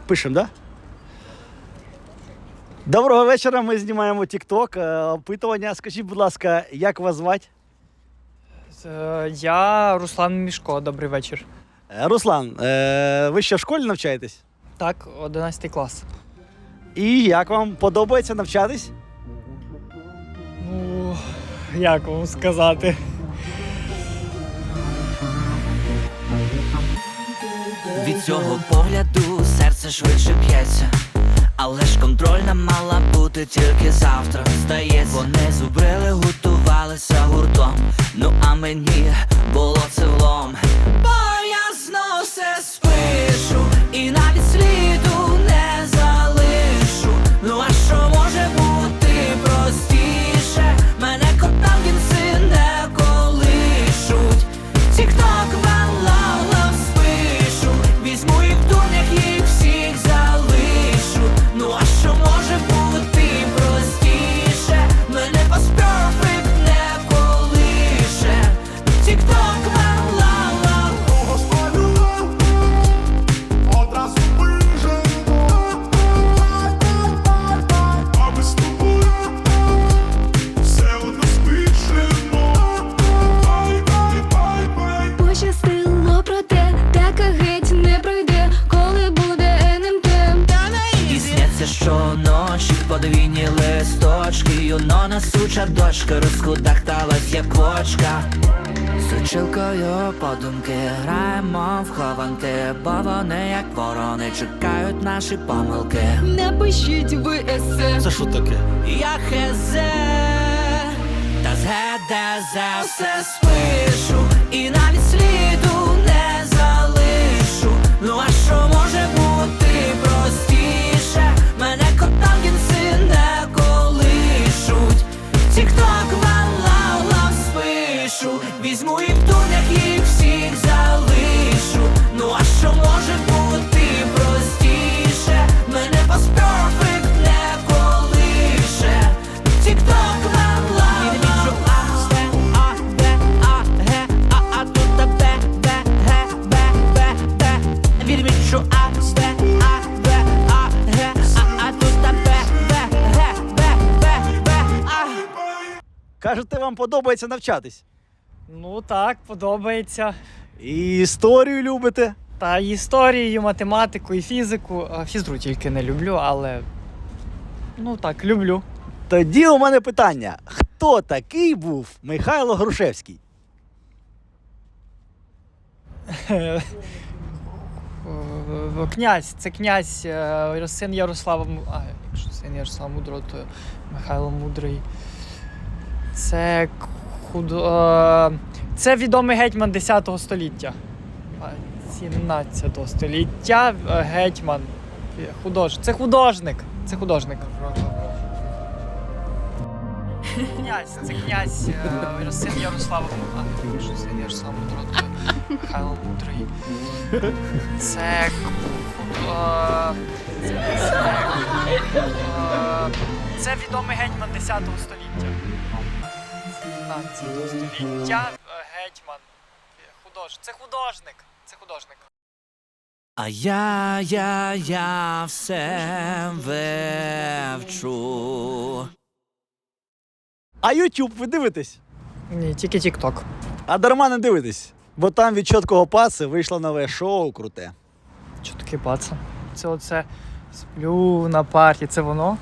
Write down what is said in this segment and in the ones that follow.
Пишемо, так? Да? Доброго вечора, ми знімаємо TikTok. Опитування. Скажіть, будь ласка, як вас звати? Я Руслан Мішко, добрий вечір. Руслан, ви ще в школі навчаєтесь? Так, 11 клас. І як вам подобається навчатись? Ну, як вам сказати? Від цього погляду серце швидше б'ється, але ж контрольна мала бути тільки завтра. Здається, вони зубрили, готувалися гуртом. Ну а мені було це влом. Бо я знов все спишу і навіть сліду не залишу. Ну а що може бути простіше? Мене котам кінці не колишуть. Тік-ток валала спишу, візьму їх в дурнях, їх всіх залишу. Ну а що може бути простіше? Мене паспорт не колише. Тік-ток валала. Кого спалював, одразу вижену. А ми з тобою все одно спішимо. Бай-бай-бай-бай. Пощастило, проте така геть не пройде, коли буде НМТ. І сняться щоночі подвійні листочки. Юно несуча дочка розкудахталась, як квочка. З училкою подумки граємо в хованки, бо вони, як ворони, чекають наші помилки. Напишіть ви есе. Це що таке? Я хезе, та з ГДЗ все спишу, і навіть сліду не залишу. Ну а що може бути простіше? Мене котам кінці не колишуть. Тік-ток валала спишу, візьму їх в дурнях, їх всіх залишу. Ну а що може бути простіше? Мене паспорт не колише. Тік-ток валала. А тут Б, Б, Г, Б, Б, Б. Відмічу А, Б, А, Б, А, Г, а тут Б, Б, Г, Б, Б, Б, А. Кажете, вам подобається навчатись? Ну так, подобається. І історію любите? Та і історію, і математику, і фізику. Фізру тільки не люблю, але ну так, люблю. Тоді у мене питання. Хто такий був Михайло Грушевський? Князь, це князь, син Ярослава, якщо син Ярослава Мудрого, то Михайло Мудрий. Це це відомий гетьман 10 століття. 17 століття гетьман. Це художник. Це художник. Князь, це князь, син Ярослава, якщо син Ярослава Мудрого, то Михайло Мудрий. Це відомий гетьман 10 століття. 17 століття гетьман. Це художник. Це художник. А я все вивчу. А YouTube ви дивитесь? Ні, тільки TikTok. А дарма не дивитесь, бо там від чіткого паси вийшло нове шоу круте. Що таке паца? Це оце сплю на парті, це воно?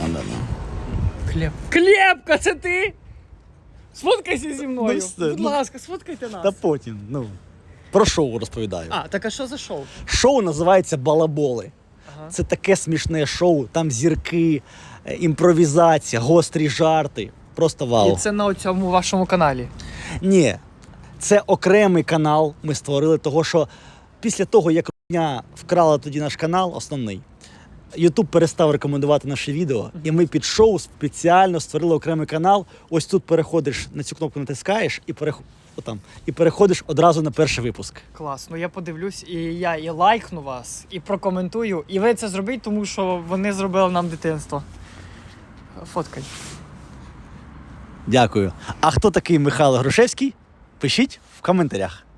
Клепка, це ти? Сфоткайся зі мною. Ну, все, Будь ласка, сфоткайте нас. Та потім, про шоу розповідаю. Так а що за шоу? Шоу називається «Балаболи». Ага. Це таке смішне шоу, там зірки, імпровізація, гострі жарти. Просто вау. І це на цьому вашому каналі? Ні, це окремий канал ми створили, того що після того, як Рудня вкрала тоді наш канал, основний, YouTube перестав рекомендувати наші відео, і ми під шоу спеціально створили окремий канал. Ось тут переходиш, на цю кнопку натискаєш і переходиш одразу на перший випуск. Клас, ну я подивлюсь, і я і лайкну вас, і прокоментую. І ви це зробіть, тому що вони зробили нам дитинство. Фоткай. Дякую. А хто такий Михайло Грушевський? Пишіть в коментарях.